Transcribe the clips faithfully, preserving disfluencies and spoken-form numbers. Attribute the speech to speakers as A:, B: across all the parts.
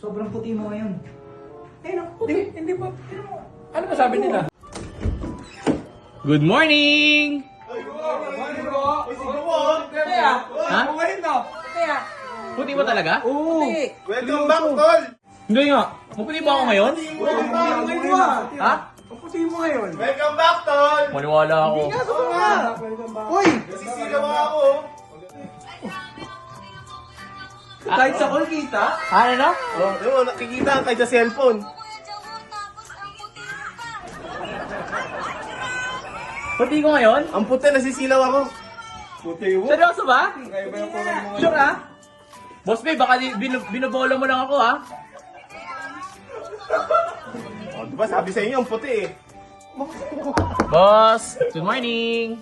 A: Sobrang puti mo ngayon. Eh, no?
B: Hindi, hindi ba? Ano ba sabi nila? Good morning!
C: Kaya,
B: Ha?
C: ngayon na.
B: Kaya, puti ba talaga?
A: Oo!
C: Welcome back, tol!
B: Hindi nga. Maputi ba ako ngayon?
C: Welcome back, ngayon.
B: Ha?
A: Ang puti mo ngayon.
C: Welcome back, tol!
B: Maniwala ako.
A: Oo nga! Uy!
C: Nasisigaw ako.
A: Kahit sa call kita?
B: Ano no?
C: Oh, yun, nakikita ang kahit sa cellphone.
B: Puti ko ngayon?
C: Ang puti, nasisilaw ako. Puti mo?
B: Seryoso ba?
C: Kaya ba yung kulay mo?
B: Sure ha? Boss babe, baka di- bin- binobola mo lang ako ha?
C: Oh, diba sabi sa inyo, ang puti eh.
B: Boss, good morning!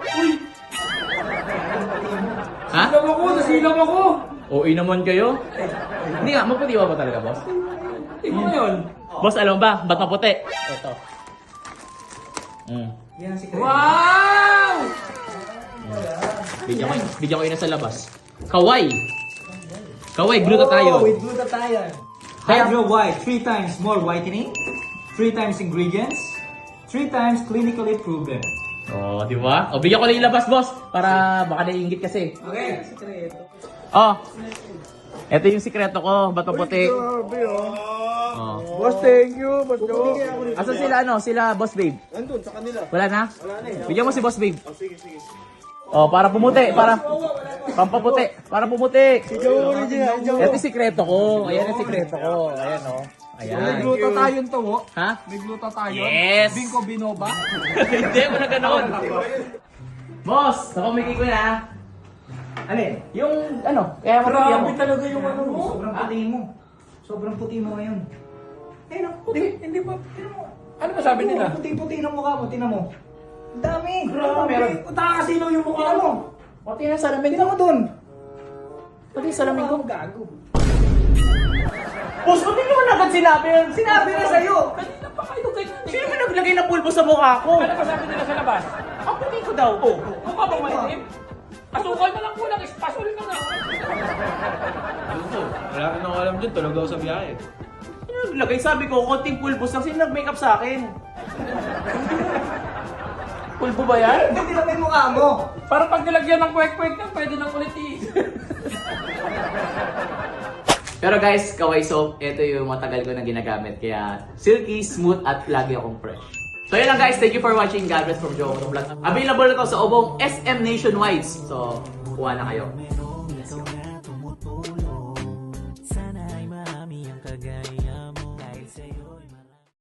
B: Ha?
A: Nasilaw ako! Nasilaw ako!
B: O naman kayo? Hindi nga, maputi ba ba talaga, boss?
A: Tingnan mo yun.
B: Boss, alam ba? Ba't maputi? Ito. Mm.
A: Yan si Chris.
B: Wow! Bigyan ko, bigyan ko yun na sa labas. Kaway! Kaway, glutathione.
A: Oh, with glutathione. Hydro White, three times more whitening, three times ingredients, three times clinically proven.
B: Oh, di ba? O, bigyan ko lang yung labas, boss. Para baka naiingit kasi.
A: Okay, sikreto.
B: Oh, ito yung sikreto ko. Ba't maputi?
C: Grabe oh.
B: Oh.
C: Boss, thank you. Boss, jo.
B: Asan sila, ano? Sila, boss babe?
C: Nandun, sa kanila.
B: Wala na?
C: Wala na eh.
B: Bigyan mo si boss babe.
C: Oh, sige, sige.
B: Oh, para pumuti, para pampaputi, para pumuti.
C: Joe, original, Joe.
B: Ito yung sikreto ko. Ayan yung sikreto ko. Ayan oh.
A: May
B: Ayan.
A: glutathione to, oh.
B: Ha?
A: May glutathione.
B: Yes!
A: Bingko binoba.
B: Hindi, wala ganon. Boss, napamigay ko na. Alin? Yung ano, kaya maputi ako.
A: Grabe talaga yung ano mo. Sobrang
B: Ha?
A: puti mo. Sobrang puti mo ngayon. Eh, no?
B: Puti, hindi ba? Ano ba sabi nila?
A: Puti-puti ng mukha mo. Tinan mo. Ang dami.
B: Grabe, meron.
A: Utakasilaw yung mukha mo.
B: Pati na salamin
A: Tinan
B: ko.
A: mo dun.
B: Pati yung salamin ko.
A: Gago.
B: Boss, ba't hindi mo na agad sinabi yun?
A: Sinabi na sa'yo.
B: Kanina pa kayo ganyan. Sino ba naglagay ng pulpo sa mukha ko?
D: Ano ba sabi nila sa labas?
B: Ang puti ko daw. Oh.
D: Mukha bang maitim? Asukal na lang kulang, ispasol ka na.
E: Wala ka nang alam dyan, tulog ako sa biyahe.
B: Sino naglagay? Sabi ko, konting pulbos lang. Sino nag-makeup sa akin? Pulbo ba yan?
A: Hindi na yung mukha mo.
D: Para pag nilagyan ng kwek-kwek na, pwede nang ulit i-
B: Pero guys, Kaway Soap, ito yung matagal ko na ginagamit. Kaya silky, smooth, at lagi akong fresh. So yun lang guys, thank you for watching. God bless from Joe Vlog. Available na to sa Obong S M Nationwide. So, kuha na kayo.
F: Sana'y marami ang kagaya mo.